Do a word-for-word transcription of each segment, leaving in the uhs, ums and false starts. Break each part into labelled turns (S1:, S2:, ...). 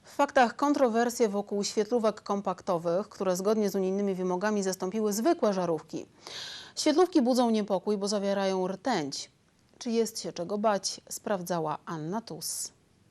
S1: W faktach kontrowersje wokół świetlówek kompaktowych, które zgodnie z unijnymi wymogami zastąpiły zwykłe żarówki. Świetlówki budzą niepokój, bo zawierają rtęć. Czy jest się czego bać? Sprawdzała Anna Tus.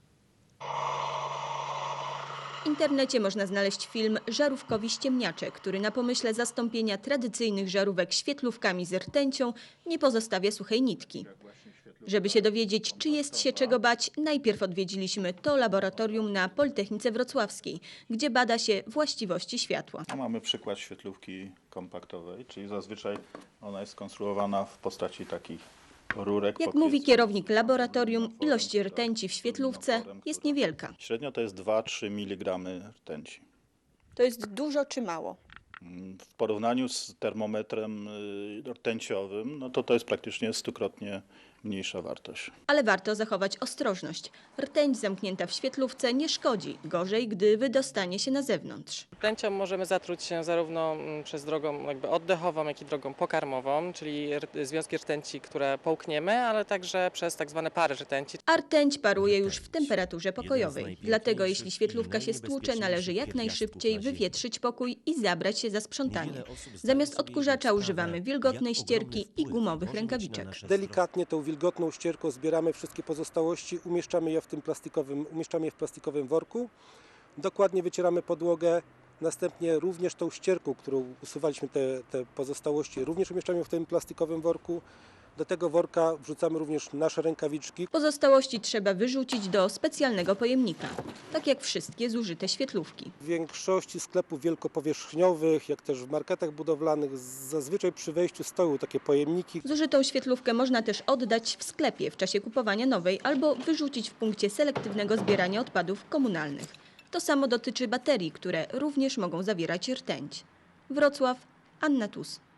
S2: W internecie można znaleźć film Żarówkowi ściemniacze, który na pomyśle zastąpienia tradycyjnych żarówek świetlówkami z rtęcią nie pozostawia suchej nitki. Żeby się dowiedzieć, czy jest się czego bać, najpierw odwiedziliśmy to laboratorium na Politechnice Wrocławskiej, gdzie bada się właściwości światła.
S3: A mamy przykład świetlówki kompaktowej, czyli zazwyczaj ona jest skonstruowana w postaci takich rurek.
S2: Jak mówi kierownik laboratorium, ilość rtęci w świetlówce jest niewielka.
S3: Średnio to jest dwa do trzech miligramów rtęci.
S4: To jest dużo czy mało?
S3: W porównaniu z termometrem rtęciowym, no to to jest praktycznie stukrotnie mniejsza wartość.
S2: Ale warto zachować ostrożność. Rtęć zamknięta w świetlówce nie szkodzi. Gorzej, gdy wydostanie się na zewnątrz.
S5: Rtęcią możemy zatruć się zarówno przez drogą jakby oddechową, jak i drogą pokarmową, czyli związki rtęci, które połkniemy, ale także przez tak zwane pary rtęci.
S2: A rtęć paruje już w temperaturze pokojowej. Dlatego jeśli świetlówka się stłucze, należy jak najszybciej wywietrzyć pokój i zabrać się za sprzątanie. Zamiast odkurzacza używamy wilgotnej ścierki i gumowych rękawiczek.
S6: Delikatnie tą wilgotną ścierką zbieramy wszystkie pozostałości, umieszczamy je w tym plastikowym, umieszczamy je w plastikowym worku. Dokładnie wycieramy podłogę, następnie również tą ścierką, którą usuwaliśmy te, te pozostałości, również umieszczamy w tym plastikowym worku. Do tego worka wrzucamy również nasze rękawiczki.
S2: Pozostałości trzeba wyrzucić do specjalnego pojemnika, tak jak wszystkie zużyte świetlówki.
S6: W większości sklepów wielkopowierzchniowych, jak też w marketach budowlanych, zazwyczaj przy wejściu stoją takie pojemniki.
S2: Zużytą świetlówkę można też oddać w sklepie w czasie kupowania nowej albo wyrzucić w punkcie selektywnego zbierania odpadów komunalnych. To samo dotyczy baterii, które również mogą zawierać rtęć. Wrocław, Anna Tus.